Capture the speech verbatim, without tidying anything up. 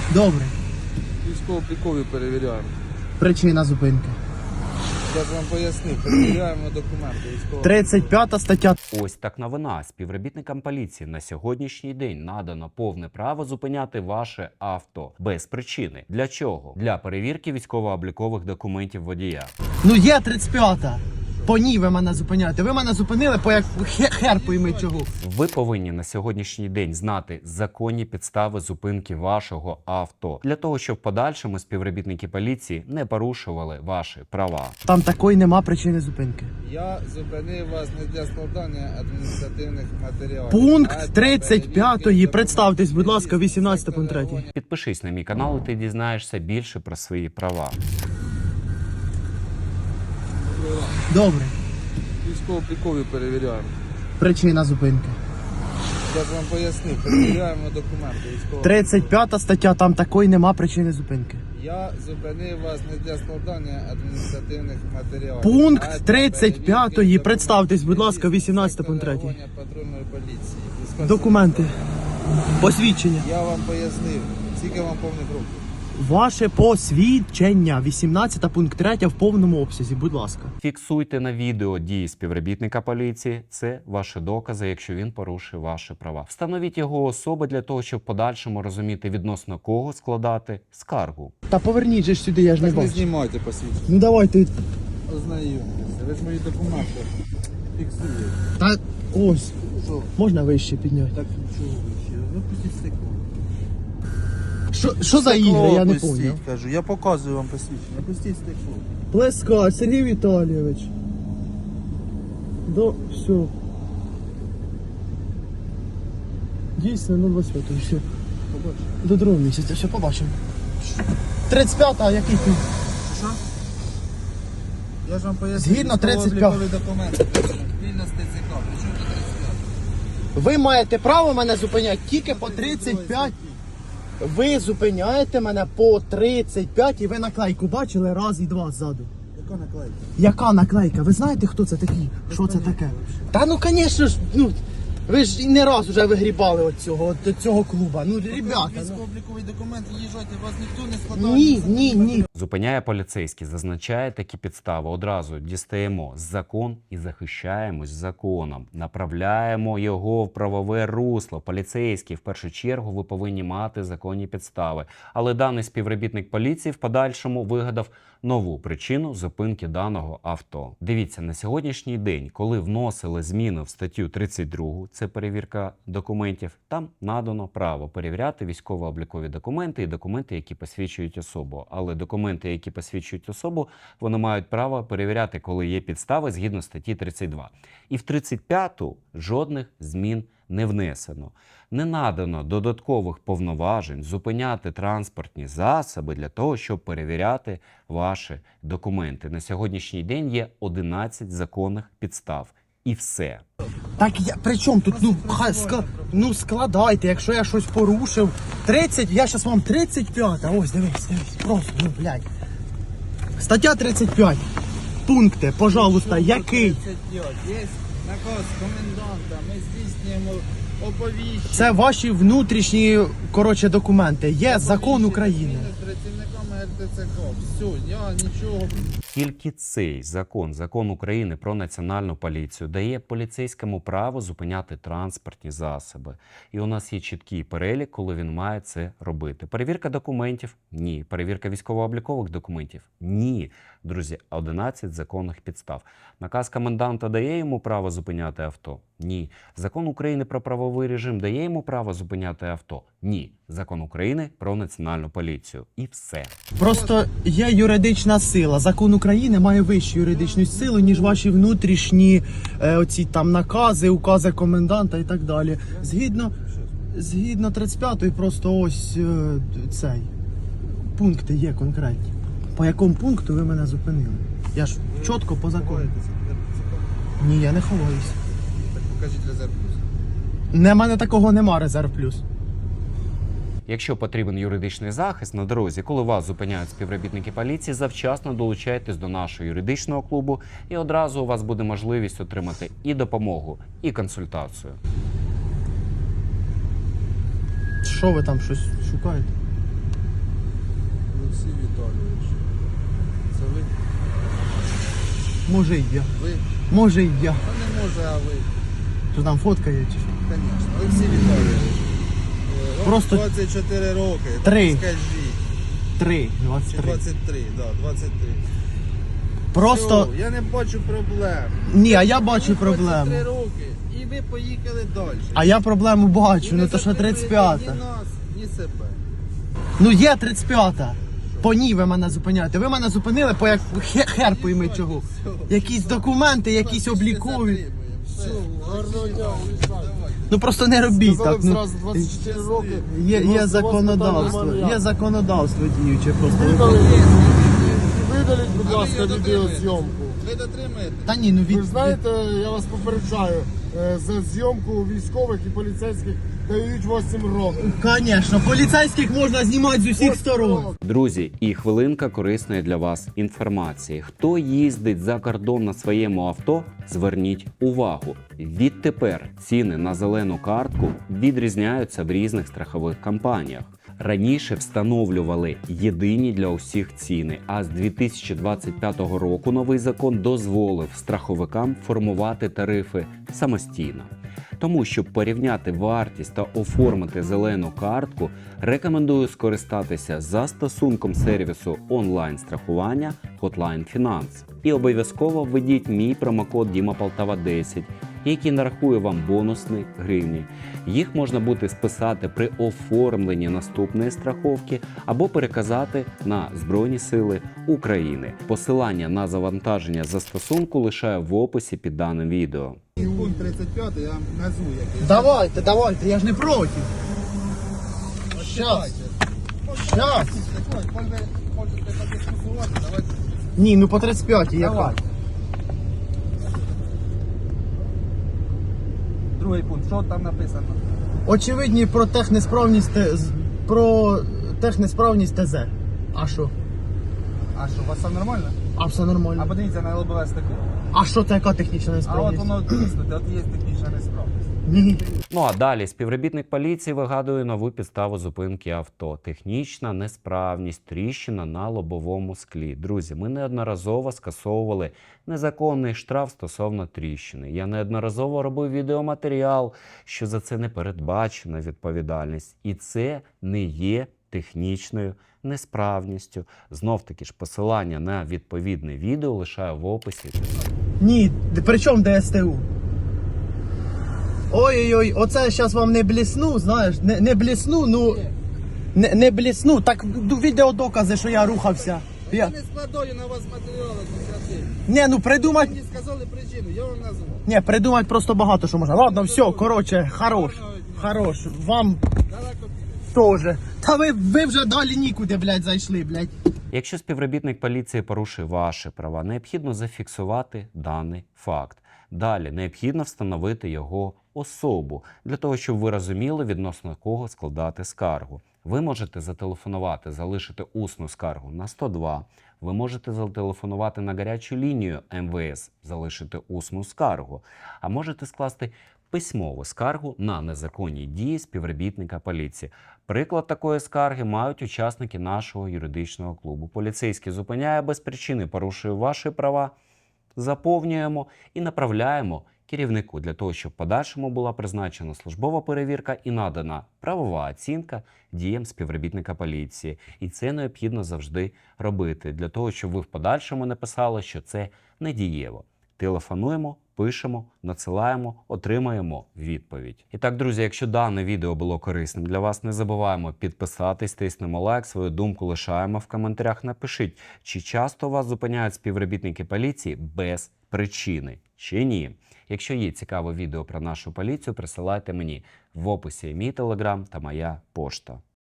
Добре. Військово-облікові перевіряємо. Причина зупинки. Я ж вам пояснив, перевіряємо документи військово. тридцять п'ята стаття. Ось так новина. Співробітникам поліції на сьогоднішній день надано повне право зупиняти ваше авто без причини. Для чого? Для перевірки військово-облікових документів водія. Ну є тридцять п'ята. По ній ви мене зупиняєте. Ви мене зупинили по як хер, хер пойми чого. Ви повинні на сьогоднішній день знати законні підстави зупинки вашого авто для того, щоб в подальшому співробітники поліції не порушували ваші права. Там такої нема причини зупинки. Я зупинив вас не для складання адміністративних матеріалів. Пункт тридцять п'ятої. Представтесь, будь ласка, вісімнадцятий пункт третій. Підпишись на мій канал, і ти дізнаєшся більше про свої права. Добре. Військово-облікові перевіряємо. Причина зупинки. Я ж вам пояснив, перевіряємо документи військово. тридцять п'ята стаття. Там такої нема причини зупинки. Я зупинив вас не для складання адміністративних матеріалів. Пункт тридцять п'ятої. Представтесь, будь ласка, вісімнадцятий пункт третій. Патрульної поліції. Документи. Посвідчення. Я вам пояснив, скільки вам повних років. Ваше посвідчення. вісімнадцятий пункт третій в повному обсязі, будь ласка. Фіксуйте на відео дії співробітника поліції. Це ваші докази, якщо він порушив ваші права. Встановіть його особи для того, щоб в подальшому розуміти, відносно кого складати скаргу. Та поверніть же ж сюди, я ж не Так не бачу. знімайте посвідчення. Ну давайте. Ознайомтеся. Ви ж мої документи фіксуєте. Та ось. Що? Можна вище підняти. Так чого ви ще? Ви пустіть стекло. Що, що за ігри, я не поняв. Кажу, я показую вам посвідчення. Пустіть стекло. Плескач, Сергій Віталійович. До, все. Дійсно, ну двадцять п'ятого, все. Побачите. До другого місяця, все, побачимо. тридцять п'ята, а який ти? Що? Я ж вам поясню. Згідно тридцять п'ятого. документи. Вільно з ТЦК. Причому до тридцять п'ятого? Ви маєте право мене зупиняти тільки по тридцять п'ять. Ви зупиняєте мене по тридцять п'ять і ви наклейку бачили раз і два ззаду. Яка наклейка? Яка наклейка? Ви знаєте, хто це такі? Що це таке? Та ну, звісно ж, ну, ви ж і не раз вже вигрібали від цього, від цього клуба. Ну, ребята, ну. Військово-обліковий документ, їжджайте, вас ніхто не складає. Ні, ні, ні. Зупиняє поліцейський, зазначає такі підстави. Одразу дістаємо закон і захищаємось законом. Направляємо його в правове русло. Поліцейський, в першу чергу, ви повинні мати законні підстави. Але даний співробітник поліції в подальшому вигадав нову причину зупинки даного авто. Дивіться, на сьогоднішній день, коли вносили зміни в статтю тридцять другу, це перевірка документів, там надано право перевіряти військово-облікові документи і документи, які посвідчують особу. Але документи, які посвідчують особу, вони мають право перевіряти, коли є підстави згідно статті тридцять два. І в тридцять п'яту жодних змін не внесено. Не надано додаткових повноважень зупиняти транспортні засоби для того, щоб перевіряти ваші документи. На сьогоднішній день є одинадцять законних підстав. І все. Так я при чому тут? Ну, хай ска, ну складайте, якщо я щось порушив. тридцять, я зараз вам тридцять п'ята. Ось, дивись, дивись, просто, ну, блядь. Стаття тридцять п'ять. Пункти, пожалуйста, який? тридцять п'ять. Є наказ коменданта, ми здійснюємо оповіщення. Це ваші внутрішні, коротше, документи. Є закон України. З працівниками РТЦК. Все, я нічого. Тільки цей закон, закон України про національну поліцію, дає поліцейському право зупиняти транспортні засоби. І у нас є чіткий перелік, коли він має це робити. Перевірка документів – ні. Перевірка військово-облікових документів – ні. Друзі, одинадцять законних підстав. Наказ коменданта дає йому право зупиняти авто? Ні. Закон України про правовий режим дає йому право зупиняти авто? Ні. Закон України про національну поліцію. І все. Просто є юридична сила. Закон України має вищу юридичну силу, ніж ваші внутрішні е, оці там накази, укази коменданта і так далі. Згідно, згідно тридцять п'ятої просто ось е, цей. Пункти є конкретні. По якому пункту ви мене зупинили? Я ж чітко по закону. Ні, я не ховаюся. Так покажіть резерв плюс. Не, в мене такого нема, резерв плюс. Якщо потрібен юридичний захист на дорозі, коли вас зупиняють співробітники поліції, завчасно долучайтесь до нашого юридичного клубу, і одразу у вас буде можливість отримати і допомогу, і консультацію. Що ви там щось шукаєте? Олексій Віталійович. Це ви? Може і я. Ви? Може і я. Та не може, а ви. Що там фотка є чи що? Звісно. Олексій Віталійович. Е, вам Просто двадцять чотири роки. три. Так скажіть. Три, Чи двадцять три. двадцять три, да, двадцять три. Просто. Все, я не бачу проблем. Ні, а я бачу Мені проблему. двадцять три роки. І ви поїхали далі. А я проблему І бачу, не ну то що затримуєте тридцять п'ята. Ні нас, ні себе. Ну є тридцять п'ята. По ній ви мене зупиняєте. Ви мене зупинили по як хе- хер пойми чого. Якісь документи, якісь облікові. Все, Гарного дня, уїжджайте. Ну просто не робіть Сказали так. б Ну, зразу двадцять чотири роки. є, У вас- у є вас законодавство. питань немає. Є законодавство діюче просто. Видаліть, видаліть, будь А ви ласка, його відеозйомку. Ви дотримаєте? Та ні, ну Ви від. ж знаєте, я вас попереджаю, е, за зйомку військових і поліцейських дають вісім років. Звісно, поліцейських можна знімати з усіх сторон. Друзі, і хвилинка корисної для вас інформації. Хто їздить за кордон на своєму авто, зверніть увагу. Відтепер ціни на зелену картку відрізняються в різних страхових компаніях. Раніше встановлювали єдині для усіх ціни, а з дві тисячі двадцять п'ятого року новий закон дозволив страховикам формувати тарифи самостійно. Тому, щоб порівняти вартість та оформити зелену картку, рекомендую скористатися застосунком сервісу онлайн-страхування Hotline Finance. І обов'язково введіть мій промокод Діма Полтава десять, який нарахує вам бонусні гривні. Їх можна буде списати при оформленні наступної страховки або переказати на Збройні Сили України. Посилання на завантаження застосунку лишаю в описі під даним відео. Пункт тридцять п'ятий, я назву який. Давайте, давайте, я ж не проти. Щас. Щас. Можете подискусувати, давайте. Ні, ну по тридцять п'ятій яка. Давай. Другий пункт, що там написано? Очевидні про технесправність Т- з- про технесправність ТЗ. А що? А що, у вас все нормально? А все А нормально. подивіться на лобове стекло. А що це яка технічна А от несправність? воно тиснути, от є технічна несправність. Ні. Ну а далі співробітник поліції вигадує нову підставу зупинки авто. Технічна несправність, тріщина на лобовому склі. Друзі, ми неодноразово скасовували незаконний штраф стосовно тріщини. Я неодноразово робив відеоматеріал, що за це не передбачена відповідальність. І це не є технічною несправністю. Знов-таки ж посилання на відповідне відео лишаю в описі. Ні, при чому ДСТУ? Ой-ой-ой, оце я зараз вам не блісну, знаєш, не, не блісну, ну не, не блісну. Так ну, відеодокази, що я рухався. Я... Я не складаю на вас матеріали адміністративні. Ні, ну придумать. Мені сказали причину, я вам назву. Ні, придумать просто багато що можна. Ладно, все, коротше, хорош. Хорош. Вам Далеко теж. Та ви, ви вже далі нікуди, блядь, зайшли, блядь. Якщо співробітник поліції порушує ваші права, необхідно зафіксувати даний факт. Далі необхідно встановити його особу, для того, щоб ви розуміли, відносно кого складати скаргу. Ви можете зателефонувати, залишити усну скаргу на сто два. Ви можете зателефонувати на гарячу лінію ем ве ес, залишити усну скаргу. А можете скласти письмову скаргу на незаконні дії співробітника поліції. Приклад такої скарги мають учасники нашого юридичного клубу. Поліцейський зупиняє без причини, порушує ваші права, заповнюємо і направляємо керівнику для того, щоб в подальшому була призначена службова перевірка і надана правова оцінка діям співробітника поліції. І це необхідно завжди робити, для того, щоб ви в подальшому не писали, що це недієво. Телефонуємо, пишемо, надсилаємо, отримаємо відповідь. І так, друзі, якщо дане відео було корисним для вас, не забуваємо підписатись, тиснемо лайк, свою думку лишаємо в коментарях. Напишіть, чи часто вас зупиняють співробітники поліції без причини, чи ні. Якщо є цікаве відео про нашу поліцію, присилайте мені в описі мій телеграм та моя пошта.